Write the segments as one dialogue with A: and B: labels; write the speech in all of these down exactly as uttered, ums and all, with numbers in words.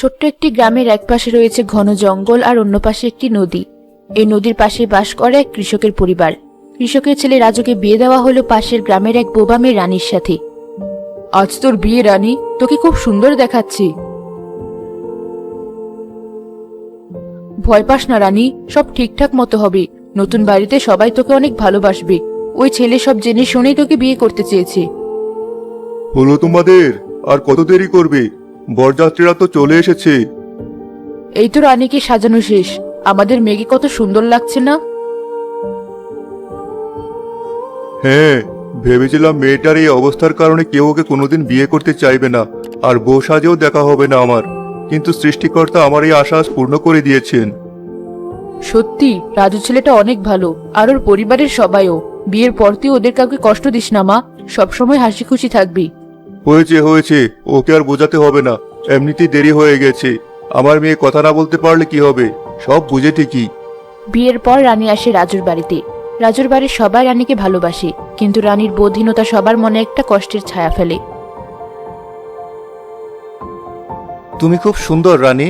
A: ছোট্ট একটি গ্রামের এক পাশে রয়েছে ঘন জঙ্গল আর অন্য পাশে একটি নদী। এই নদীর পাশে বাস করে এক কৃষকের পরিবার। কৃষকের ছেলে রাজুকে বিয়ে দেওয়া হলো পাশের গ্রামের এক বোবা মেয়ে রানীর সাথে। আজ তোর বিয়ে রানী, তোকে খুব সুন্দর দেখাচ্ছে। ভয় পাস না রানী, সব ঠিকঠাক মতো হবে। নতুন বাড়িতে সবাই তোকে অনেক ভালোবাসবে। ওই ছেলে সব জেনে শুনেই তোকে বিয়ে করতে চেয়েছে।
B: হলো তোমাদের, আর কত দেরি করবে? বরযাত্রীরা তো চলে এসেছে।
A: এই তো রানীকে সাজানো শেষ। আমাদের মেয়েকে কত সুন্দর লাগছে না?
B: হ্যাঁ, ভেবেছিলাম মেয়েটার এই অবস্থার কারণে কেউ ওকে কোনোদিন বিয়ে করতে চাইবে না, আর বউ সাজেও দেখা হবে না আমার। কিন্তু সৃষ্টিকর্তা আমার এই আশা আজ পূর্ণ করে দিয়েছেন।
A: সত্যি রাজু ছেলেটা অনেক ভালো, আর ওর পরিবারের সবাইও। বিয়ের পর তুই ওদের কাউকে কষ্ট দিস না মা, সবসময় হাসি খুশি থাকবি।
B: হয়েছে হয়েছে, ওকে আর বোঝাতে হবে না। এমনিতেই দেরি হয়ে গেছে। আমার মেয়ে কথা না বলতে পারলে কি হবে, সব বুঝে ঠিকই।
A: বিয়ের পর রানী আসে রাজুর বাড়িতে। রাজুর বাড়ির সবাই রানীকে ভালোবাসে, কিন্তু রানীর বোধহীনতা সবার মনে একটা কষ্টের ছায়া ফেলে।
B: তুমি খুব সুন্দর রানী।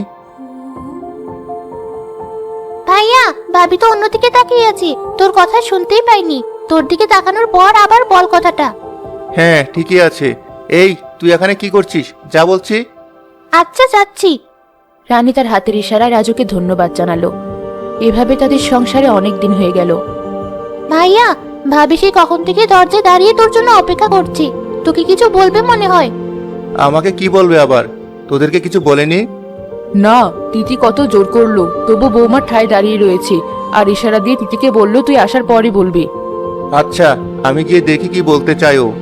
C: ভাইয়া, ভাবি তো অন্যদিকে তাকিয়ে আছে, তোর কথা শুনতেই পাইনি। তোর দিকে তাকানোর পর আবার বল কথাটা।
B: হ্যাঁ ঠিকই আছে। এই তুই এখানে কি করছিস, যা বলছি।
C: আচ্ছা, যাচ্ছি।
A: রানী তার হাতের ইশারায় রাজুকে ধন্যবাদ জানালো। এভাবে তাদের সংসারে অনেক দিন হয়ে গেল।
C: ভাইয়া, ভাবি সে কখন থেকে দরজায় দাঁড়িয়ে তোর জন্য অপেক্ষা করছি। তোকে কিছু বলবে মনে হয়।
B: আমাকে কি বলবে আবার? তোদেরকে কিছু বলেনি?
A: না, তিথি কত জোর করলো, তবু বৌমা ঠায় দাঁড়িয়ে রয়েছে, আর ইশারা দিয়ে তিথিকে বলল তুই আসার পরই বলবি।
B: আচ্ছা, আমি গিয়ে দেখি কি বলতে চাই ও।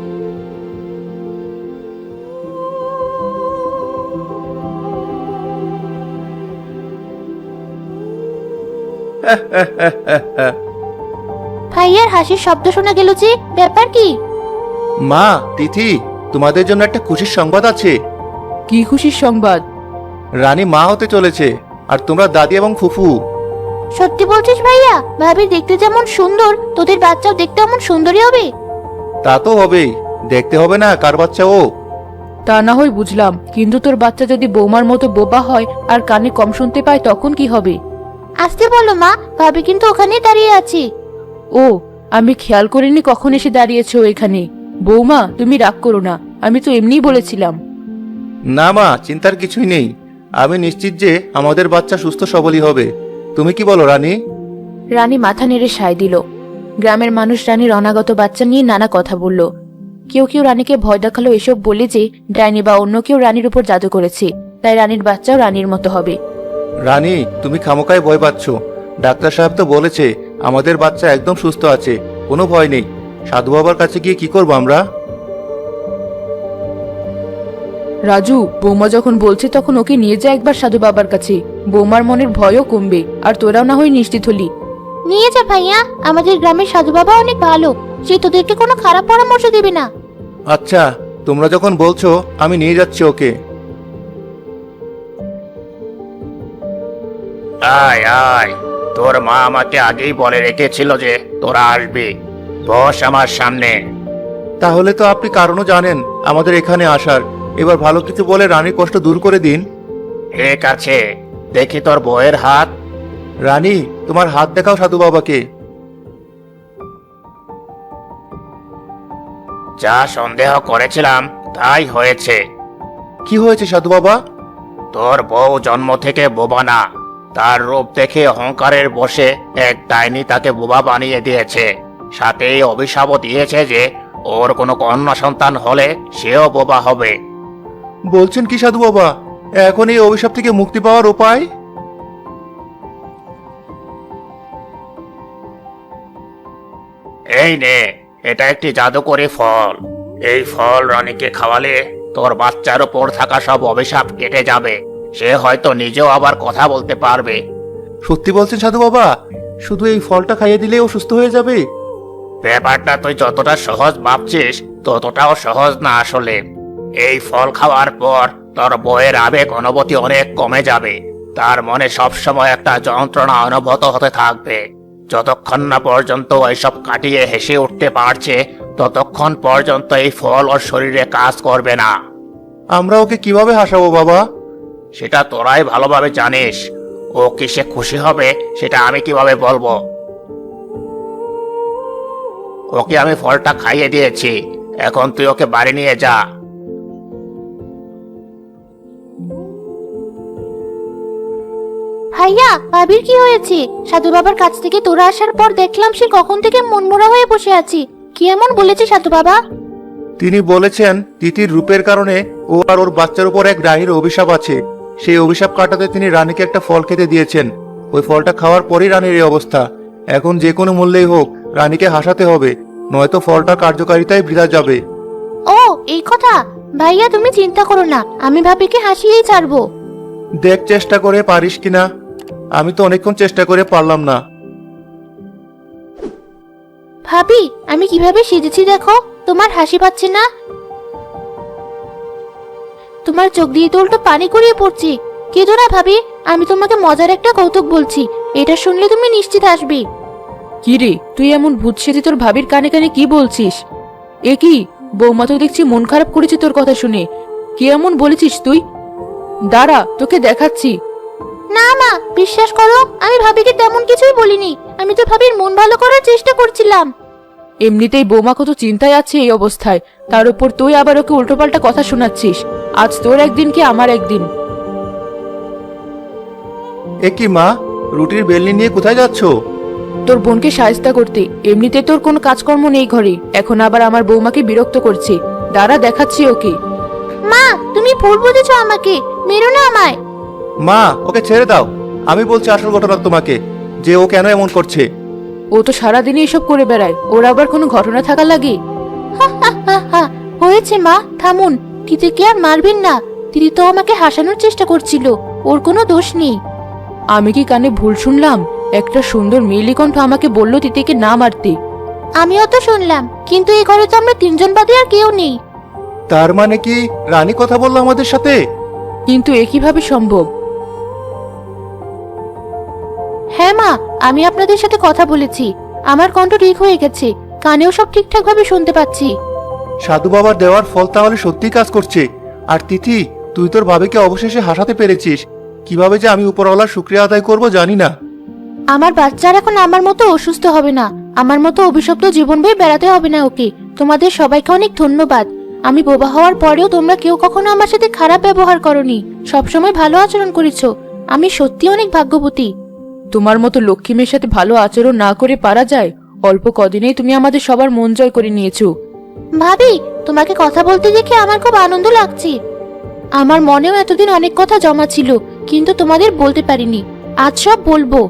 C: ভাইয়ার হাসির শব্দ শোনা গেল যে, ব্যাপার কি?
B: মা, তিথি, তোমাদের জন্য একটা খুশির সংবাদ আছে।
A: কি খুশির সংবাদ?
B: রানী মা হতে চলেছে, আর তোমরা দাদি এবং ফুফু।
C: সত্যি বলছিস ভাইয়া? ভাবি দেখতে যেমন সুন্দর, তোদের বাচ্চাও দেখতে এমন সুন্দরই হবে?
B: তা তো হবেই, দেখতে হবে না কার বাচ্চা ও?
A: তা না হয় বুঝলাম, কিন্তু তোর বাচ্চা যদি বৌমার মতো বোবা হয় আর কানে কম শুনতে পায় তখন কি হবে?
C: আসতে বলো মা, ভাবি কিন্তু ওখানেই দাঁড়িয়ে আছে।
A: ও, আমি খেয়াল করিনি কখন এসে দাঁড়িয়েছো এখানে। বৌমা তুমি রাগ করো না, আমি তো এমনিই বলেছিলাম।
B: না মা, চিন্তার কিছুই নেই। আমি নিশ্চিত যে আমাদের বাচ্চা সুস্থ সবলই হবে। তুমি কি বলো রানী?
A: রানী মাথা নেড়ে সায় দিল। গ্রামের মানুষ রানীর অনাগত বাচ্চা নিয়ে নানা কথা বলল। কেউ কেউ রানীকে ভয় দেখালো এসব বলে যে ডাইনি বা অন্য কেউ রানীর উপর জাদু করেছে, তাই রানীর বাচ্চাও রানীর মতো হবে।
B: রানী, তুমি খামোকায় ভয় পাচ্ছ। ডাক্তার সাহেব তো বলেছে আমাদের বাচ্চা একদম সুস্থ আছে, কোনো ভয় নেই। সাধু বাবার কাছে গিয়ে কি করবো আমরা?
A: রাজু, বৌমা যখন বলছে তখন ওকে নিয়ে যা একবার সাধু বাবার কাছে। বৌমার মনের ভয়ও কমবে, আর তোরাও না হয় নিশ্চিত হলি।
C: নিয়ে যা ভাইয়া, আমাদের গ্রামের সাধু বাবা অনেক ভালো, সে তোদেরকে কোনো খারাপ পরামর্শ দেবে না।
B: আচ্ছা, তোমরা যখন বলছো আমি নিয়ে যাচ্ছি ওকে।
D: আয় আয়, তোর মা আমাকে আগেই বলে রেখেছিল যে তোরা আসবি। বস আমার সামনে।
B: তাহলে তো আপনি কারণও জানেন আমাদের এখানে আসার। এবার ভালো কিছু বলে রানীর কষ্ট দূর করে দিন।
D: ঠিক আছে, দেখি তোর বউয়ের হাত।
B: রানী, তোমার হাত দেখাও সাধু বাবাকে।
D: যা সন্দেহ করেছিলাম তাই হয়েছে।
B: কি হয়েছে সাধু বাবা?
D: তোর বউ জন্ম থেকে বোবা না। তার রূপ দেখে অহংকারের বশে এক ডাইনি তাকে বোবা বানিয়ে দিয়েছে। সাথে এই অভিশাপও দিয়েছে যে ওর কোনো কন্যা সন্তান হলে সেও বোবা হবে।
B: বলছেন কি সাধু বাবা? এখন এই অভিশাপ থেকে মুক্তি পাওয়ার উপায়?
D: এই নে, এটা একটি জাদুকরী ফল। এই ফল রানীকে খাওয়ালে তোর বাচ্চার উপর থাকা সব অভিশাপ কেটে যাবে। সে হয়তো নিজেও আবার কথা বলতে পারবে।
B: সত্যি বলছেন সাধু বাবা? শুধু এই ফলটা খাইয়ে দিলেই ও সুস্থ হয়ে যাবে?
D: ব্যাপারটা তুই যতটা সহজ ভাবছিস ততটাও সহজ না আসলে। এই ফল খাওয়ার পর তোর বউয়ের আবেগ অনুভূতি অনেক কমে যাবে। তার মনে সবসময় একটা যন্ত্রণা অনুভূত হতে থাকবে। যতক্ষণ না পর্যন্ত এইসব কাটিয়ে হেসে উঠতে পারছে ততক্ষণ পর্যন্ত এই ফল ওর শরীরে কাজ করবে না।
B: আমরা ওকে কিভাবে হাসাবো বাবা?
D: সেটা তোরাই ভালোভাবে জানিস। ও কিসে খুশি হবে সেটা আমি কিভাবে বলবো? ওকে আমি ফলটা খাইয়ে দিয়েছি, এখন তুই ওকে বাড়ি নিয়ে যা।
C: ভাইয়া, ভাবির কি হয়েছে? সাধু বাবার কাছ থেকে তোরা আসার পর দেখলাম সে কখন থেকে মনমরা হয়ে বসে আছি। কি এমন বলেছে সাধু বাবা?
B: তিনি বলেছেন তিতির রূপের কারণে ও আর ওর বাচ্চার উপর এক রানীর অভিশাপ আছে। সেই অভিশাপ কাটাতে তিনি রানীকে একটা ফল খেতে দিয়েছেন। ওই ফলটা খাওয়ার পরই রানীর এই অবস্থা। এখন যে কোনো মূল্যেই হোক রানীকে হাসাতে হবে, নয়তো ফলটার কার্যকারিতাই বৃথা যাবে।
C: ও, এই কথা। ভাইয়া তুমি চিন্তা করো না, আমি ভাবিকে হাসিয়েই ছাড়বো।
B: দেখ চেষ্টা করে পারিস কিনা। আমি তো অনেকক্ষণ চেষ্টা করে পারলাম না।
C: ভাবি, আমি কিভাবে সেজেছি দেখো, তোমার হাসি পাচ্ছে না? তোমার চোখ দিয়ে তো উল্টো পানি গড়িয়ে পড়ছে। কেঁদো না ভাবি, আমি তোমাকে মজার একটা কৌতুক বলছি, এটা শুনলে তুমি নিশ্চিত হাসবে।
A: কি রে, তুই এমন ভূত সেজে তোর ভাবির কানে কানে কি বলছিস? এ কি, বৌমা তো দেখছি মন খারাপ করেছে তোর কথা শুনে। কি এমন বলেছিস তুই? দাঁড়া, তোকে দেখাচ্ছি।
C: না মা, বিশ্বাস করো, আমি ভাবিকে তেমন কিছুই বলিনি। আমি তো ভাবির মন ভালো করার চেষ্টা করছিলাম।
A: এমনিতেই বৌমা কত চিন্তায় আছে এই অবস্থায়, তার উপর তুই আবার ওকে উল্টোপাল্টা কথা শোনাচ্ছিস। আজ তোর একদিন কি আমার একদিন।
B: এ কি মা, রুটির বেলনি নিয়ে কোথায় যাচ্ছ?
A: তোর বোনকে সাহায্য করতে। এমনিতে তোর কোনো কাজকর্ম নেই ঘরে, এখন আবার আমার বৌমাকে বিরক্ত করছে। দাঁড়া, দেখাচ্ছি ওকে।
C: মা, তুমি ভুল বুঝেছো আমাকে, মেরো না আমায়।
B: মা, ওকে ছেড়ে দাও। আমি বলছি আসল ঘটনা তোমাকে, যে ও কেন এমন করছে।
A: ও তো সারাদিনই এসব করে বেড়ায়, ওর আবার কোনো ঘটনা থাকা লাগে?
C: হা হা হা হা, হয়েছে মা, থামুন। দিদিকে আর মারবেন না। দিদি তো আমাকে হাসানোর চেষ্টা করছিল, ওর কোনো দোষ নেই।
A: আমি কি কানে ভুল শুনলাম? একটা সুন্দর মেয়েলি কণ্ঠ আমাকে বলল তিতিকে না মারতে।
C: আমিও তো শুনলাম, কিন্তু এই ঘরে তো আমরা তিনজন বাদে আর কেউ নেই।
B: তার মানে কি রানী কথা বললো আমাদের সাথে?
A: কিন্তু এ কিভাবে সম্ভব?
C: হ্যাঁ মা, আমি আপনাদের সাথে কথা বলেছি, আমার কণ্ঠ ঠিক হয়ে গেছে, কানেও সব ঠিকঠাক ভাবে শুনতে পাচ্ছি।
B: সাধু বাবার দেওয়ার ফল তাহলে সত্যিই কাজ করছে। আর তিথি, তুই তোর ভাবিকে অবশেষে হাসাতে পেরেছিস। কিভাবে যে আমি উপরওয়ালার শুকরিয়া আদায় করব জানি না।
C: আমার বাচ্চার এখন আমার মতো অসুস্থ হবে না, আমার মতো অভিশপ্ত জীবন বয়ে বেড়াতে হবে না ওকে। তোমাদের সবাইকে অনেক ধন্যবাদ। আমি বোবা হওয়ার পরেও তোমরা কেউ কখনো আমার সাথে খারাপ ব্যবহার করনি, সবসময় ভালো আচরণ করেছো। আমি সত্যি অনেক ভাগ্যবতী।
A: তোমার মতো লক্ষ্মী মেয়ের সাথে ভালো আচরণ না করে পারা যায়? অল্প কদিনেই তুমি আমাদের সবার মন জয় করে নিয়েছো।
C: ভাবি, তোমাকে কথা বলতে দেখে আমার খুব আনন্দ লাগছে। আমার মনেও এতদিন অনেক কথা জমা ছিল, কিন্তু তোমাদের বলতে পারিনি। আজ সব বলবো।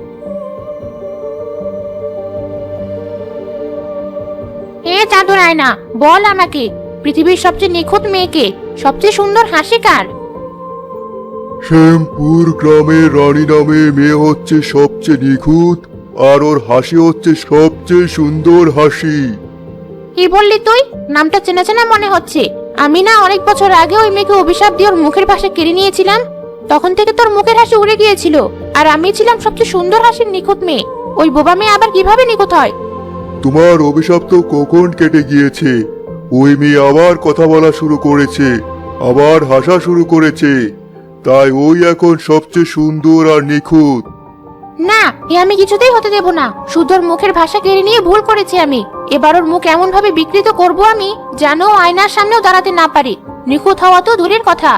C: এ চাঁদুর আয়না, বল আমাকে, পৃথিবীর সবচেয়ে নিখুঁত মেয়েকে, সবচেয়ে সুন্দর হাসি কার?
B: শ্যামপুর গ্রামের রানী নামে মেয়ে হচ্ছে সবচেয়ে নিখুঁত, আর ওর হাসি হচ্ছে সবচেয়ে সুন্দর হাসি।
C: কি বললি তুই? নামটা চেনা চেনা মনে হচ্ছে। আমি না অনেক বছর আগে ওই মেয়েকে অভিশাপ দিয়ে ওর মুখের পাশে কেড়ে নিয়েছিলাম, তখন থেকে তোর মুখের হাসি উড়ে গিয়েছিল, আর আমি ছিলাম সবচেয়ে সুন্দর হাসির নিখুঁত মেয়ে। ওই বোবা মেয়ে আবার কিভাবে নিখুঁত হয়?
B: তোমার অভিশাপ তো কখন কেটে গিয়েছে। ওই মেয়ে আবার কথা বলা শুরু করেছে, আবার হাসা শুরু করেছে, তাই ওই এখন সবচেয়ে সুন্দর আর নিখুঁত।
C: না, এ আমি কিছুতেই হতে দেব না। শুধু ওর মুখের ভাষা কেড়ে নিয়ে ভুল করেছি আমি। এবার ওর মুখ এমন ভাবে বিকৃত করব আমি, যেন ও আয়নার সামনেও দাঁড়াতে না পারে। নিখুঁত হওয়া তো দূরের কথা।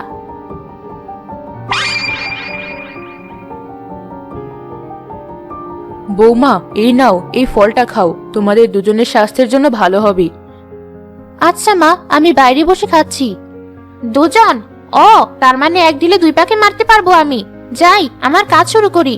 A: বৌমা, এই নাও, এই ফলটা খাও, তোমাদের দুজনের স্বাস্থ্যের জন্য ভালো হবে।
C: আচ্ছা মা, আমি বাইরে বসে খাচ্ছি। দুজন? ও, তার মানে এক ঢিলে দুই পাখি মারতে পারবো আমি। যাই, আমার কাজ শুরু করি।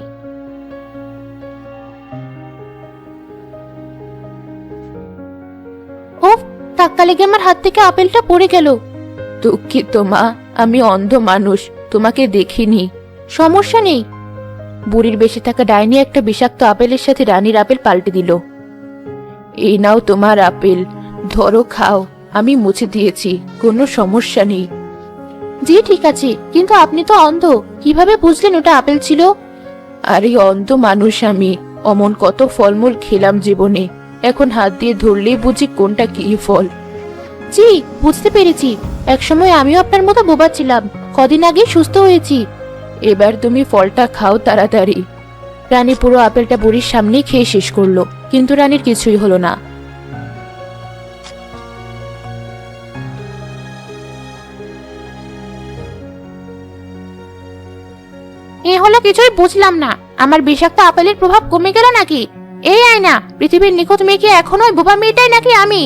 C: ওফ, ধাক্কা লেগে আমার হাত থেকে আপেলটা পড়ে গেল।
A: দুঃখিত মা, আমি অন্ধ মানুষ, তোমাকে দেখিনি।
C: সমস্যা নেই।
A: বুড়ির বেশি থাকা ডাইনি একটা বিষাক্ত আপেলের সাথে রানীর আপেল পাল্টে দিল। এই নাও তোমার আপেল, ধরো খাও, আমি মুছে দিয়েছি, কোনো সমস্যা নেই।
C: জি ঠিক আছে, কিন্তু আপনি তো অন্ধ, কিভাবে বুঝলেন ওটা আপেল ছিল?
A: আরে অন্ধ মানুষ আমি, অমন কত ফলমূল খেলাম জীবনে, এখন হাত দিয়ে ধরলেই বুঝি কোনটা কি ফল।
C: জি, বুঝতে পেরেছি। একসময় আমিও আপনার মতো বোবা ছিলাম, কদিন আগে সুস্থ হয়েছি।
A: এবার তুমি ফলটা খাও তাড়াতাড়ি।
C: রানী পুরো আপেলটা বুড়ির সামনেই খেয়ে শেষ করলো, কিন্তু রানীর কিছুই হলো না। এ হলো কিছুই বুঝলাম না, আমার বিষাক্ত আপেলের প্রভাব কমে গেল নাকি? এই আয়না, পৃথিবীর নিখুঁত মেয়ে কি এখনো ওই বোবা মেয়েটাই নাকি আমি?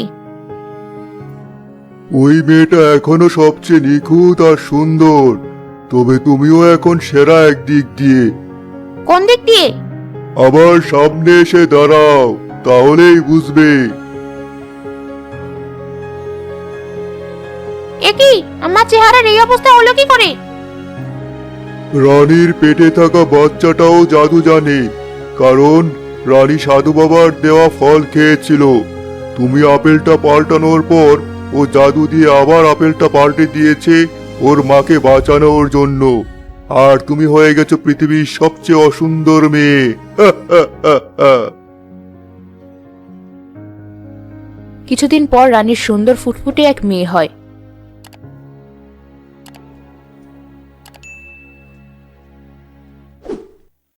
E: ওই মেয়েটা এখনো সবচেয়ে নিখুঁত আর সুন্দর, তবে তুমিও এখন সেরা একদিক দিয়ে।
C: কোন দিক দিয়ে?
E: আবার সামনে এসে দাঁড়াও, তাহলেই বুঝবে।
C: এ কি, আমার চেহারার এই অবস্থা হলো কি করে?
E: রানীর পেটে থাকা বাচ্চাটাও জাদু জানে, কারণ রানী সাধু বাবার দেওয়া ফল খেয়েছিল। তুমি আপেলটা পাল্টানোর পর ও জাদু দিয়ে আবার আপেলটা পাল্টে দিয়েছে ওর মাকে বাঁচানোর জন্য। আর তুমি হয়ে গেছো পৃথিবীর সবচেয়ে অসুন্দর মেয়ে।
A: কিছুদিন পর রানীর সুন্দর ফুটফুটে এক মেয়ে হয়।